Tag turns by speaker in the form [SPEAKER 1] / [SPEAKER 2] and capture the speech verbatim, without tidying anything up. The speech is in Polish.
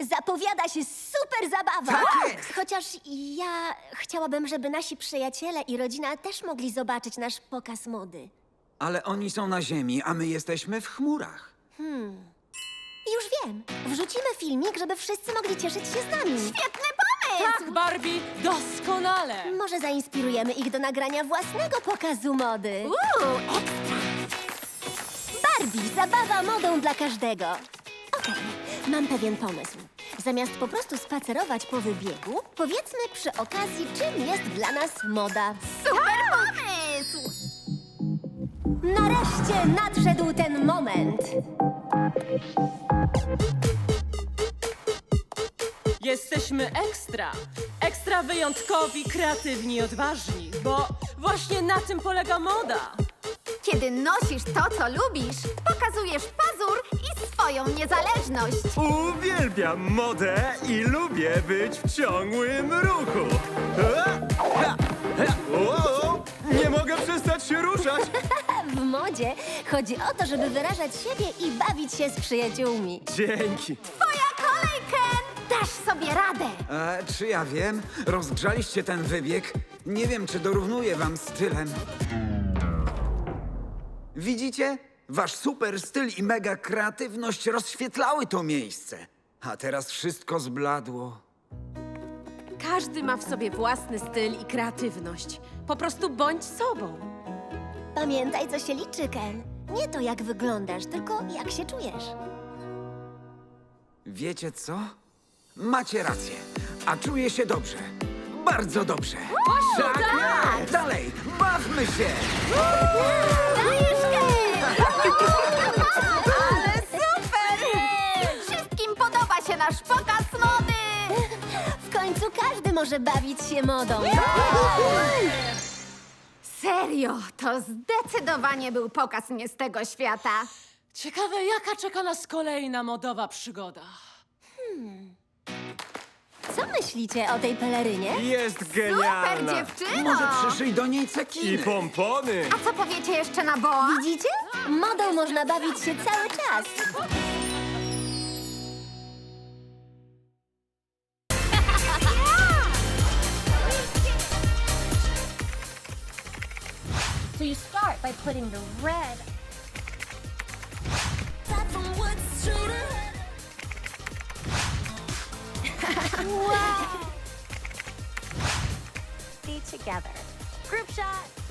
[SPEAKER 1] Zapowiada się super zabawa!
[SPEAKER 2] Tak jest.
[SPEAKER 1] Chociaż ja chciałabym, żeby nasi przyjaciele i rodzina też mogli zobaczyć nasz pokaz mody.
[SPEAKER 2] Ale oni są na ziemi, a my jesteśmy w chmurach.
[SPEAKER 1] Już wiem. Wrzucimy filmik, żeby wszyscy mogli cieszyć się z nami. Świetny pomysł!
[SPEAKER 3] Tak, Barbie, doskonale!
[SPEAKER 1] Może zainspirujemy ich do nagrania własnego pokazu mody.
[SPEAKER 4] Uuu, ekstra!
[SPEAKER 1] Barbie, zabawa modą dla każdego. Okej, mam pewien pomysł. Zamiast po prostu spacerować po wybiegu, powiedzmy przy okazji, czym jest dla nas moda.
[SPEAKER 4] Super pomysł!
[SPEAKER 1] Nareszcie nadszedł ten moment.
[SPEAKER 3] Jesteśmy ekstra. Ekstra wyjątkowi, kreatywni i odważni, bo właśnie na tym polega moda.
[SPEAKER 4] Kiedy nosisz to, co lubisz, pokazujesz pazur i swoją niezależność.
[SPEAKER 5] Uwielbiam modę i lubię być w ciągłym ruchu. Ha, ha, ha. Wow, nie mogę przestać się ruszać.
[SPEAKER 1] W modzie chodzi o to, żeby wyrażać siebie i bawić się z przyjaciółmi.
[SPEAKER 5] Dzięki.
[SPEAKER 4] Twoja kolej, Ken! Dasz sobie radę.
[SPEAKER 2] E, czy ja wiem? Rozgrzaliście ten wybieg. Nie wiem, czy dorównuje wam stylem. Widzicie? Wasz super styl i mega kreatywność rozświetlały to miejsce. A teraz wszystko zbladło.
[SPEAKER 6] Każdy ma w sobie własny styl i kreatywność. Po prostu bądź sobą.
[SPEAKER 1] Pamiętaj, co się liczy, Ken. Nie to, jak wyglądasz, tylko jak się czujesz.
[SPEAKER 2] Wiecie co? Macie rację. A czuję się dobrze. Bardzo dobrze. Tak, tak! Dalej, bawmy się!
[SPEAKER 4] Dajesz, Ken! Ale super! Wszystkim podoba się nasz pokaz mody!
[SPEAKER 1] W końcu każdy może bawić się modą.
[SPEAKER 4] Serio, to zdecydowanie był pokaz nie z tego świata.
[SPEAKER 3] Ciekawe, jaka czeka nas kolejna modowa przygoda.
[SPEAKER 1] Co myślicie o tej pelerynie?
[SPEAKER 5] Jest
[SPEAKER 4] Super,
[SPEAKER 5] genialna.
[SPEAKER 4] dziewczyno!
[SPEAKER 2] Może przyszyj do niej
[SPEAKER 5] I
[SPEAKER 2] cekiny.
[SPEAKER 5] pompony.
[SPEAKER 4] A co powiecie jeszcze na boa?
[SPEAKER 1] Widzicie? Modą można bawić się cały czas.
[SPEAKER 7] So you start by putting the red. wow! Be together. Group shot.